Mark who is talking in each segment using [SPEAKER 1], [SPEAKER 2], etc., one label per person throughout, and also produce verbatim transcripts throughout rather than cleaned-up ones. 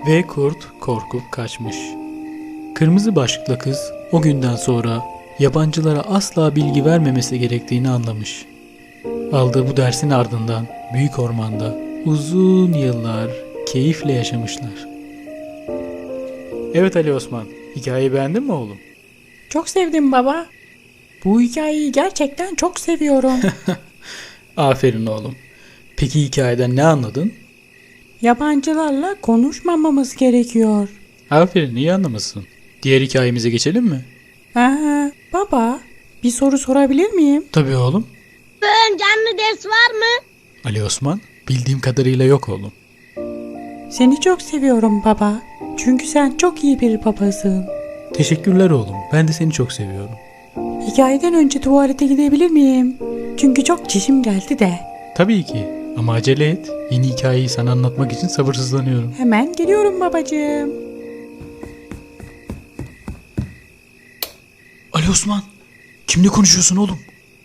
[SPEAKER 1] Ve kurt korkup kaçmış. Kırmızı başlıklı kız o günden sonra yabancılara asla bilgi vermemesi gerektiğini anlamış. Aldığı bu dersin ardından büyük ormanda uzun yıllar keyifle yaşamışlar. Evet Ali Osman, hikayeyi beğendin mi oğlum?
[SPEAKER 2] Çok sevdim baba. Bu hikayeyi gerçekten çok seviyorum.
[SPEAKER 1] Aferin oğlum. Peki hikayeden ne anladın?
[SPEAKER 2] Yabancılarla konuşmamamız gerekiyor.
[SPEAKER 1] Aferin, iyi anlamışsın. Diğer hikayemize geçelim mi?
[SPEAKER 2] Aa, baba, bir soru sorabilir miyim?
[SPEAKER 1] Tabii oğlum.
[SPEAKER 3] Bugün canlı ders var mı?
[SPEAKER 1] Ali Osman, bildiğim kadarıyla yok oğlum.
[SPEAKER 2] Seni çok seviyorum baba. Çünkü sen çok iyi bir babasın.
[SPEAKER 1] Teşekkürler oğlum. Ben de seni çok seviyorum.
[SPEAKER 2] Hikayeden önce tuvalete gidebilir miyim? Çünkü çok çişim geldi de.
[SPEAKER 1] Tabii ki. Ama acele et. Yeni hikayeyi sana anlatmak için sabırsızlanıyorum.
[SPEAKER 2] Hemen geliyorum babacığım.
[SPEAKER 1] Ali Osman, kimle konuşuyorsun oğlum?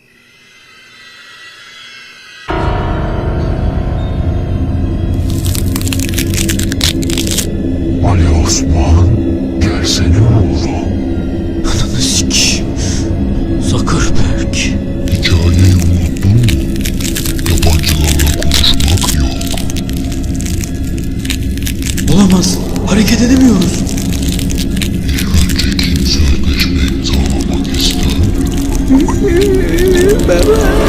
[SPEAKER 4] Ali Osman, gelsene oğlum.
[SPEAKER 1] Ananı sikeyim. Zuckerberg.
[SPEAKER 4] Hikayeyi unuttun mu? Yabancılarla konuşmak yok.
[SPEAKER 1] Olamaz. Hareket edemiyoruz.
[SPEAKER 4] İlk önce kim sözleşme imzalamak ister?
[SPEAKER 2] Baba.